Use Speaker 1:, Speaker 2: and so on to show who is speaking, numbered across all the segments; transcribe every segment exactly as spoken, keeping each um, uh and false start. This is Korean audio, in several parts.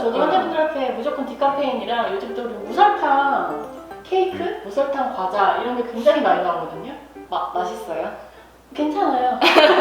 Speaker 1: 저도 환자분들한테 무조건 디카페인이랑 요즘 또 그리고 무설탕 케이크, 무설탕 과자 이런 게 굉장히 많이 나오거든요.
Speaker 2: 마, 맛있어요?
Speaker 1: 괜찮아요.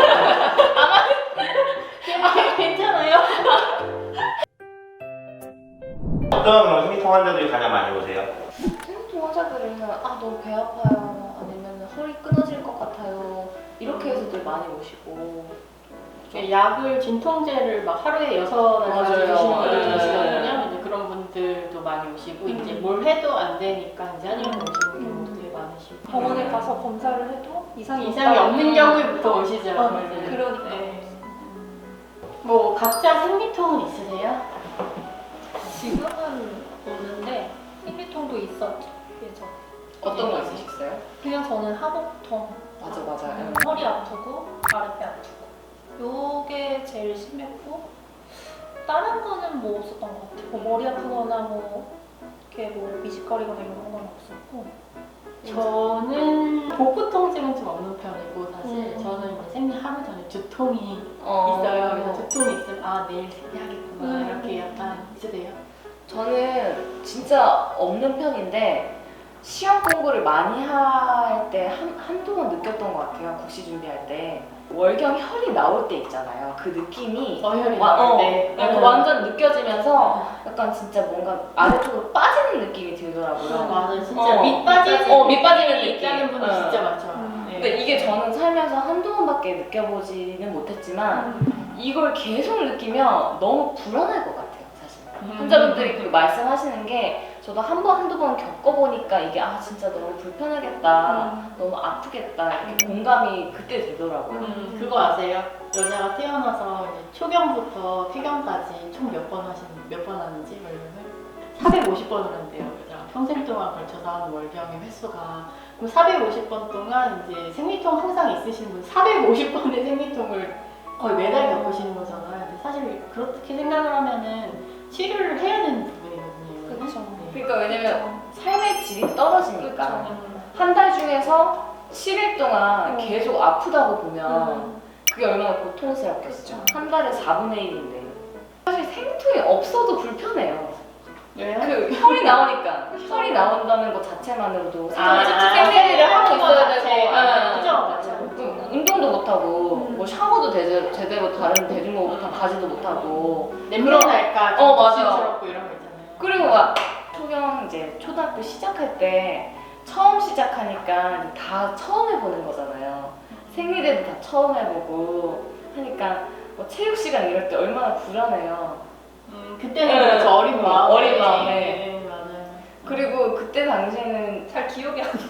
Speaker 1: 아마 괜찮아요.
Speaker 3: 어떤 생리통 환자들이 가장 많이 오세요?
Speaker 2: 생리통 환자들은 아 너무 배 아파요, 아니면 허리 끊어질 것 같아요, 이렇게 해서들 많이 오시고.
Speaker 1: 약을 진통제를 막 하루에 여섯 알까지
Speaker 2: 맞아요.
Speaker 1: 드시는 분들
Speaker 2: 네.
Speaker 1: 계시거든요. 이제 그런 분들도 많이 오시고
Speaker 4: 음.
Speaker 1: 이제 뭘 해도 안 되니까 이제 한의원 오시는 경우도 되게 많으시고
Speaker 4: 병원에 가서 검사를 해도 이상이,
Speaker 1: 이상이
Speaker 4: 없다.
Speaker 1: 없는 경우부터 오시죠.
Speaker 4: 어,
Speaker 1: 맞아요.
Speaker 4: 그러니까.
Speaker 1: 네. 뭐 각자 생리통은 있으세요?
Speaker 4: 지금은 오는데 생리통도 있었죠, 예전.
Speaker 2: 어떤 거 있으셨어요?
Speaker 4: 그냥 저는 하복통,
Speaker 2: 맞아 맞아요.
Speaker 4: 허리 아프고 아랫배 아프고 요게 제일 심했고, 다른 거는 뭐 없었던 것 같아요. 뭐 머리 아프거나 뭐 이렇게 뭐 미식거리거나 이런 건 없었고.
Speaker 1: 저는 복부 통증은 좀 없는 편이고 사실
Speaker 4: 음.
Speaker 1: 저는 이제 생리 하루 전에 두통이
Speaker 2: 어,
Speaker 1: 있어요. 그래서 두통이 있으면 아 내일 생리하겠구나
Speaker 4: 음.
Speaker 1: 이렇게 약간 있으세요?
Speaker 2: 저는 진짜 없는 편인데 시험 공부를 많이 할 때 한, 한동안 느꼈던 것 같아요. 국시 준비할 때 월경 혈이 나올 때 있잖아요. 그 느낌이
Speaker 1: 어혈이
Speaker 2: 와,
Speaker 1: 나올
Speaker 2: 어,
Speaker 1: 때
Speaker 2: 약간 완전 느껴지면서 약간 진짜 뭔가 아래쪽으로 빠지는 느낌이 들더라고요.
Speaker 1: 맞아 진짜
Speaker 2: 어.
Speaker 1: 밑 빠지는
Speaker 2: 어, 밑 빠지는 느낌.
Speaker 1: 있다는 분들
Speaker 2: 어.
Speaker 1: 진짜 많죠.
Speaker 4: 음.
Speaker 1: 네.
Speaker 2: 근데 이게 저는 살면서 한동안밖에 느껴보지는 못했지만
Speaker 4: 음.
Speaker 2: 이걸 계속 느끼면 너무 불안할 것 같아요, 사실.
Speaker 1: 음.
Speaker 2: 환자분들이 그 말씀하시는 게 저도 한 번, 한두 번 겪어보니까 이게 아 진짜 너무 불편하겠다,
Speaker 4: 음.
Speaker 2: 너무 아프겠다 이렇게 공감이 그때 되더라고요.
Speaker 1: 음, 그거 아세요? 여자가 태어나서 이제 초경부터 폐경까지 총 몇 번 하시는 몇 번 하는지 월경을 사백오십 번을 한대요. 여자가 평생 동안 걸쳐서 하는 월경의 횟수가. 그럼 사백오십 번 동안 이제 생리통 항상 있으신 분 사백오십 번의 생리통을 거의 매달 겪으시는 거잖아요. 근데 사실 그렇게 생각을 하면은 치료를 해야 되는 부분이거든요.
Speaker 4: 그쵸.
Speaker 1: 네.
Speaker 2: 그러니까 왜냐면 삶의 질이 떨어지니까
Speaker 4: 그쵸.
Speaker 2: 한 달 중에서 칠 일 동안
Speaker 4: 음.
Speaker 2: 계속 아프다고 보면
Speaker 4: 음.
Speaker 2: 그게 얼마나 고통스럽겠죠.
Speaker 4: 그쵸.
Speaker 2: 한 달에 사분의 일인데 사실 생리통이 없어도 불편해요.
Speaker 1: 왜요?
Speaker 2: 그 혈이 나오니까 혈이 나온다는 것 자체만으로도
Speaker 1: 아,
Speaker 2: 생리를 하고 있어야 되고
Speaker 1: 자체가.
Speaker 2: 예.
Speaker 1: 그죠? 맞아요.
Speaker 2: 그 운동도 못하고
Speaker 4: 음.
Speaker 2: 뭐 샤워도 제대로, 제대로 다른 대중목욕탕 가지도 못하고
Speaker 1: 냄새 날까
Speaker 2: 어, 맞아요.
Speaker 1: 조심스럽고 이런 거 있잖아요.
Speaker 2: 그리고 막 초경 이제 초등학교 시작할 때 처음 시작하니까 이제 다 처음 해보는 거잖아요. 생리대도 다 처음 해보고 하니까 뭐 체육 시간 이럴 때 얼마나 불안해요.
Speaker 1: 음, 그때는
Speaker 2: 네.
Speaker 1: 그렇죠. 어린 마음.
Speaker 2: 어린 마음에.
Speaker 1: 네, 맞아요.
Speaker 2: 그리고 그때 당시에는
Speaker 4: 잘 기억이 안 나.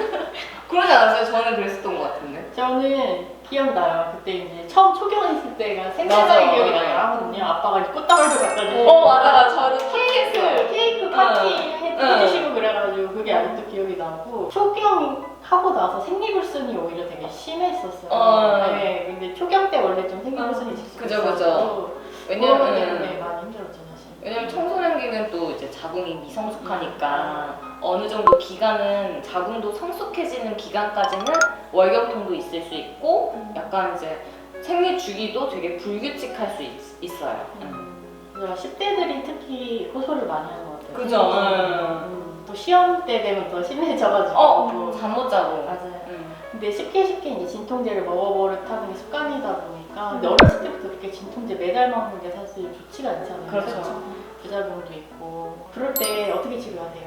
Speaker 2: 그러지 않았어요? 저는 그랬었던 것 같은데.
Speaker 1: 저는 기억나요. 그때 이제 처음 초경했을 때가
Speaker 2: 맞아.
Speaker 1: 생생하게 기억이 나요 하거든요. 아빠가 꽃다발도 갖다 주고.
Speaker 2: 어 맞아 맞아. 저도 케이크.
Speaker 1: 케이크, 케이크 파티
Speaker 2: 응.
Speaker 1: 해-
Speaker 2: 응.
Speaker 1: 해주시고 그래가지고 그게 아직도 기억이 나고 초경 하고 나서 생리불순이 오히려 되게 심했었어요.
Speaker 2: 어.
Speaker 1: 네, 근데 초경 때 원래 좀 생리불순이
Speaker 4: 응.
Speaker 1: 있을 수
Speaker 2: 그죠,
Speaker 1: 있어서
Speaker 2: 그죠.
Speaker 1: 왜냐면
Speaker 2: 왜냐면
Speaker 1: 때문에 많이 힘들었죠 사실.
Speaker 2: 왜냐면 청소년기는 또 이제 자궁이 미성숙하니까 어느 정도 기간은 자궁도 성숙해지는 기간까지는 월경통도 있을 수 있고 약간 이제 생리 주기도 되게 불규칙할 수 있, 어요
Speaker 1: 그래서 십 대들이 특히 호소를 많이 하는 것 같아요.
Speaker 2: 그죠.
Speaker 1: 음, 또 시험 때 되면 더 심해져가지고.
Speaker 2: 어, 잠 못 자고.
Speaker 1: 맞아요.
Speaker 2: 음.
Speaker 1: 근데 쉽게 쉽게 이제 진통제를 먹어버릇하는 게 습관이다 보니까 근데
Speaker 4: 음.
Speaker 1: 어렸을 때부터 그렇게 진통제 매달 먹는 게 사실 좋지가 않잖아요.
Speaker 2: 그렇죠.
Speaker 1: 부작용도 있고. 그럴 때 어떻게 치료하세요?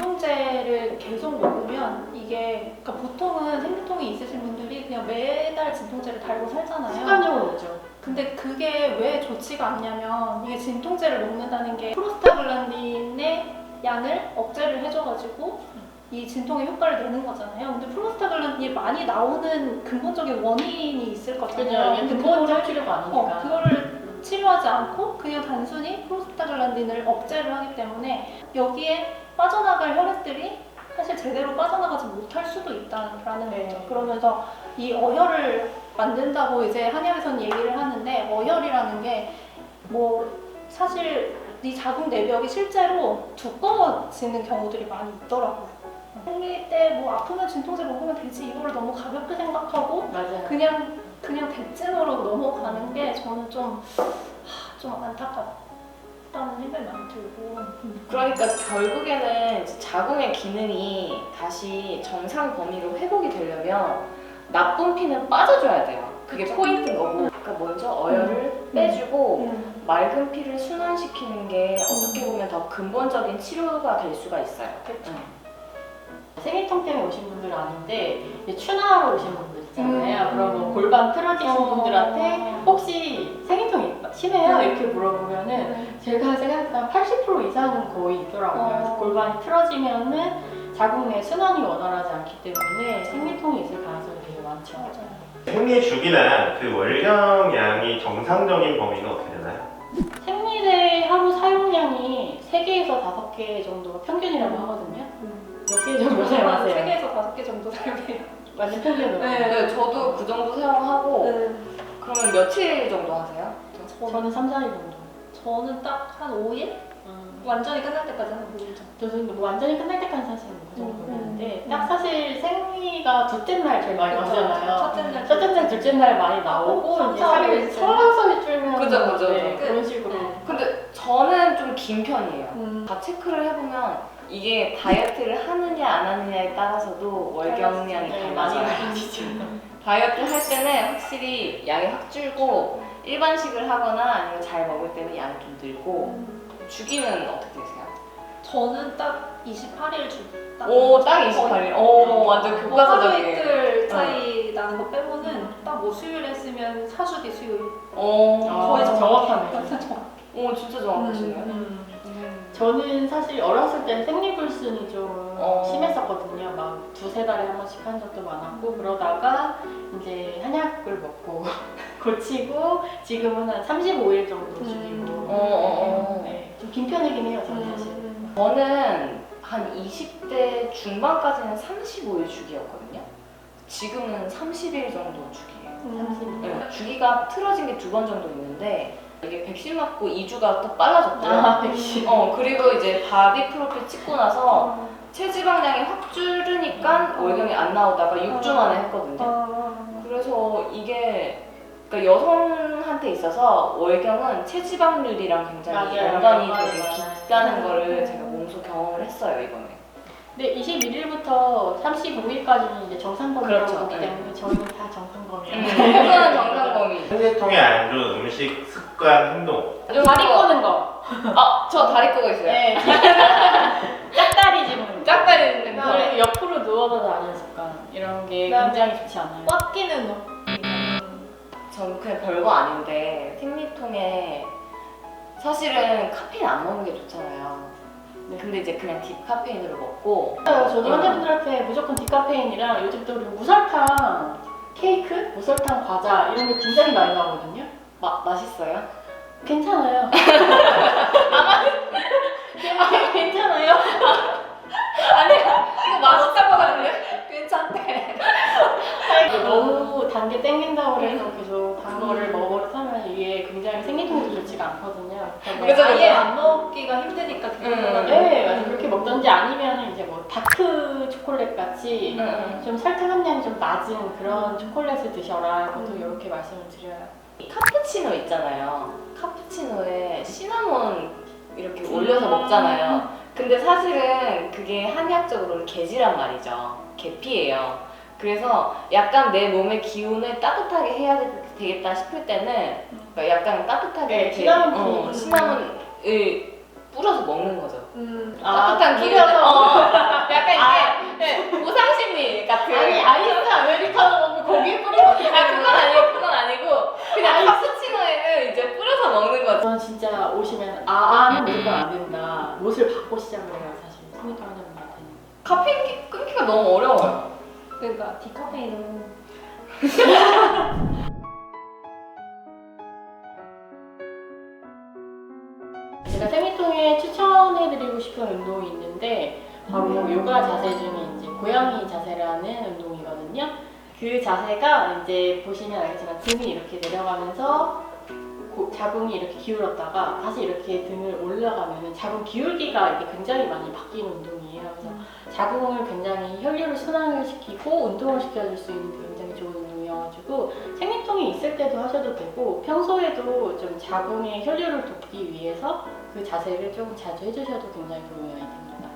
Speaker 4: 진통제를 계속 먹으면 이게, 그러니까 보통은 생리통이 있으신 분들이 그냥 매달 진통제를 달고 살잖아요.
Speaker 1: 습관적으로 먹죠.
Speaker 4: 근데 그게 왜 좋지가 않냐면 이게 진통제를 먹는다는 게 프로스타글란딘의 양을 억제를 해줘가지고 이 진통의 효과를 내는 거잖아요. 근데 프로스타글란딘이 많이 나오는 근본적인 원인이 있을 거잖아요.
Speaker 1: 그죠. 이게
Speaker 4: 근데
Speaker 1: 근본적
Speaker 4: 그거를
Speaker 1: 치료가 아니니까.
Speaker 4: 어, 그거를 치료하지 않고 그냥 단순히 프로스타글란딘을 억제를 하기 때문에 여기에 빠져나갈 혈액들이 사실 제대로 빠져나가지 못할 수도 있다라는
Speaker 1: 네.
Speaker 4: 거죠. 그러면서 이 어혈을 만든다고 이제 한의학에서는 얘기를 하는데, 어혈이라는 게 뭐 사실 이 자궁 내벽이 실제로 두꺼워지는 경우들이 많이 있더라고요. 생리 때 뭐 아프면 진통제 먹으면 되지 이거를 너무 가볍게 생각하고
Speaker 1: 맞아요.
Speaker 4: 그냥 그냥 대증으로 넘어가는 게 저는 좀, 하, 좀 안타깝다. 싶다는 생각이 많이 들고.
Speaker 2: 그러니까 결국에는 이제 자궁의 기능이 다시 정상 범위로 회복이 되려면 나쁜 피는 빠져줘야 돼요. 그게
Speaker 4: 그쵸.
Speaker 2: 포인트인 거고. 그러니까 먼저 어혈을 빼주고
Speaker 4: 음.
Speaker 2: 맑은 피를 순환시키는 게 어떻게 보면 더 근본적인 치료가 될 수가 있어요.
Speaker 4: 그쵸.
Speaker 2: 응.
Speaker 1: 생리통 때문에 오신 분들은 아닌데 이제 추나하러 오신 분들 있잖아요.
Speaker 4: 음.
Speaker 1: 그럼 뭐 골반 틀어지신
Speaker 4: 어.
Speaker 1: 분들한테 혹시 생리통이 심해요?
Speaker 4: 음.
Speaker 1: 이렇게 물어보면은
Speaker 4: 음.
Speaker 1: 제가 생각했던 팔십 퍼센트 이상은 거의 있더라고요.
Speaker 4: 어.
Speaker 1: 그래서 골반이 틀어지면은 자궁 내 순환이 원활하지 않기 때문에 생리통이 있을 가능성이 되게 많죠.
Speaker 4: 맞아요.
Speaker 3: 생리 주기나 그 월경량이 정상적인 범위가 어떻게 되나요?
Speaker 1: 생리대 하루 사용량이 세 개에서 다섯 개 정도가 평균이라고 하거든요. 몇 개 정도
Speaker 4: 세
Speaker 1: 사용하세요?
Speaker 4: 개에서 다섯 개 정도 사용해요.
Speaker 1: 완전 평균으로.
Speaker 4: 네.
Speaker 2: 네, 저도 그 정도 사용하고
Speaker 4: 네.
Speaker 2: 그러면 며칠 정도 하세요?
Speaker 1: 저는 삼, 사 일 정도.
Speaker 4: 저는 딱 한 오 일?
Speaker 1: 음.
Speaker 4: 완전히 끝날 때까지 한 오 일 정도.
Speaker 1: 저는 뭐 완전히 끝날 때까지 사실 그 정도
Speaker 4: 음,
Speaker 1: 걸리는데
Speaker 4: 음.
Speaker 1: 딱 사실 생리가 둘째 날 제일 많이
Speaker 4: 그쵸.
Speaker 1: 나오잖아요.
Speaker 4: 첫째 날,
Speaker 1: 첫째 날, 둘째 날 많이 나오고
Speaker 4: 삼,
Speaker 1: 이제
Speaker 4: 사,
Speaker 1: 삼 일
Speaker 4: 오일
Speaker 1: 서서히 줄면
Speaker 2: 그죠, 그죠,
Speaker 1: 네,
Speaker 2: 그죠.
Speaker 1: 그런 식으로.
Speaker 4: 네.
Speaker 2: 근데 저는 좀 긴 편이에요.
Speaker 4: 음.
Speaker 2: 다 체크를 해보면 이게 다이어트를 하느냐 안 하느냐에 따라서도 월경량이
Speaker 1: 네, 많이
Speaker 2: 달라져요.
Speaker 1: 달라지죠.
Speaker 2: 다이어트 할 때는 확실히 양이 확 줄고 일반식을 하거나 아니면 잘 먹을 때는 양이 좀 늘고 주기는 어떻게 되세요?
Speaker 4: 저는 딱 이십팔 일 주. 딱
Speaker 2: 오, 딱 이십팔 일. 오, 완전
Speaker 4: 뭐 하루
Speaker 2: 교과서적이에요.
Speaker 4: 이틀 차이 나는 거 빼고는 딱 뭐 수요일 했으면 사 주 뒤 수요일.
Speaker 2: 오,
Speaker 1: 거의
Speaker 4: 정-
Speaker 1: 정확하네.
Speaker 4: 완전 정확.
Speaker 2: 오, 진짜 정확하시네요.
Speaker 1: 음.
Speaker 2: 음.
Speaker 1: 저는 사실 어렸을 때 생리불순이 좀
Speaker 2: 어.
Speaker 1: 심했었거든요. 막 두세 달에 한 번씩 한 적도 많았고 그러다가 이제 한약을 먹고 고치고 지금은 한 삼십오 일 정도 죽이고
Speaker 4: 음.
Speaker 2: 어, 어, 어.
Speaker 1: 네, 좀 긴 편이긴 해요 저는 사실.
Speaker 4: 음.
Speaker 2: 저는 한 이십 대 중반까지는 삼십오 일 주기였거든요. 지금은 삼십 일 정도 주기예요.
Speaker 4: 음.
Speaker 2: 네, 주기가 틀어진 게 두 번 정도 있는데 이게 백신 맞고 이 주가 또 빨라졌고요.
Speaker 1: 아, 백신.
Speaker 2: 어 그리고 이제 바디 프로필 찍고 나서
Speaker 4: 어.
Speaker 2: 체지방량이 확 줄으니까 월경이 안 나오다가 육 주 만에 했거든요.
Speaker 4: 어.
Speaker 2: 그래서 이게 그러니까 여성한테 있어서 월경은 체지방률이랑 굉장히
Speaker 1: 맞아요.
Speaker 2: 연관이
Speaker 1: 맞아요.
Speaker 2: 되게
Speaker 1: 맞아요.
Speaker 2: 깊다는 거를
Speaker 4: 음.
Speaker 2: 제가 몸소 경험을 했어요 이번에.
Speaker 1: 근데 이십일 일부터 삼십오 일까지는 이제 정상범위라고
Speaker 2: 그렇죠.
Speaker 1: 보기
Speaker 2: 네.
Speaker 1: 때문에 저희는 다 정상범위예요.
Speaker 2: 그거는 정상범위.
Speaker 3: 생리통에 안 좋은 음식, 습관, 행동.
Speaker 1: 다리 꼬는 거.
Speaker 2: 아저 다리 끄고 있어요.
Speaker 1: 네. 짝다리 짚는 거.
Speaker 2: 짝다리 있는 거.
Speaker 1: 그리고 옆으로 누워서 자는 습관 이런 게
Speaker 4: 그다음에
Speaker 1: 굉장히 좋지 않아요.
Speaker 4: 꽉 끼는 거.
Speaker 2: 전 그냥 별거 아닌데 생리통에 사실은 카페인 안 먹는 게 좋잖아요.
Speaker 1: 네.
Speaker 2: 근데 이제 그냥 딥카페인으로 먹고
Speaker 1: 저도 환자분들한테 무조건 디카페인이랑 요즘 또 그리고 무설탕 케이크, 무설탕 과자 이런 게 굉장히 많이 나오거든요.
Speaker 2: 마, 맛있어요?
Speaker 1: 괜찮아요. 아마 괜찮아요.
Speaker 2: 아니야 이거 맛있다고 하는데
Speaker 4: 괜찮대.
Speaker 1: 너무 단 게 땡긴다고 해서 계속 단 거를 먹어버릇하면 이게 굉장히 생리통도 좋지가 않거든요. 그래서
Speaker 2: 그죠,
Speaker 1: 뭐
Speaker 4: 아예
Speaker 2: 그죠.
Speaker 4: 안 먹기가 힘드니까 되게
Speaker 2: 음.
Speaker 1: 네, 맞아요. 그렇게 먹던지 아니면 이제 뭐 다크 초콜릿 같이
Speaker 2: 응.
Speaker 1: 좀 설탕 함량이 좀 낮은 그런 초콜릿을 드셔라. 보통 이렇게 말씀을 드려요.
Speaker 2: 카푸치노 있잖아요. 카푸치노에 시나몬 이렇게 올려서 먹잖아요. 근데 사실은 그게 한의학적으로 계지란 말이죠. 계피예요. 그래서 약간 내 몸의 기운을 따뜻하게 해야 되- 되겠다 싶을 때는 그러니까 약간 따뜻하게
Speaker 1: 네,
Speaker 2: 이렇게,
Speaker 1: 시나몬
Speaker 2: 어,
Speaker 1: 티.
Speaker 2: 시나몬을 뿌려서 먹는 거죠.
Speaker 4: 음.
Speaker 2: 따뜻한 기운을
Speaker 1: 뿌려서.
Speaker 2: 어, 약간 이게 네, 보상심리 같은
Speaker 1: 아니 아이스 아메리카노 먹고 거기에 뿌려
Speaker 2: 아 그건 아니고 그건 아니고 그냥 카푸치노에는 이제 뿌려서 먹는 거죠.
Speaker 1: 저는 진짜 오시면 아, 아는 무조건 안 된다. 옷을 받고 시작을 해요, 사실. 생리통 환자분들한테는.
Speaker 2: 카페인 끼- 끊기가 너무 어려워요.
Speaker 4: 그러니까 디카페인은
Speaker 1: 제가 생리통에 추천해드리고 싶은 운동이 있는데 바로 요가 자세 중에 이제 고양이 자세라는 운동이거든요. 그 자세가 이제 보시면 알겠지만 등이 이렇게 내려가면서 고- 자궁이 이렇게 기울었다가 다시 이렇게 등을 올라가면 자궁 기울기가 이게 굉장히 많이 바뀌는 운동이에요. 그래서 자궁을 굉장히 혈류를 순환을 시키고 운동을 시켜줄 수 있는 굉장히 좋은 운동이어가지고 생리통이 있을 때도 하셔도 되고 평소에도 좀 자궁의 혈류를 돕기 위해서 그 자세를 조금 자주 해주셔도 굉장히 도움이 많이 됩니다.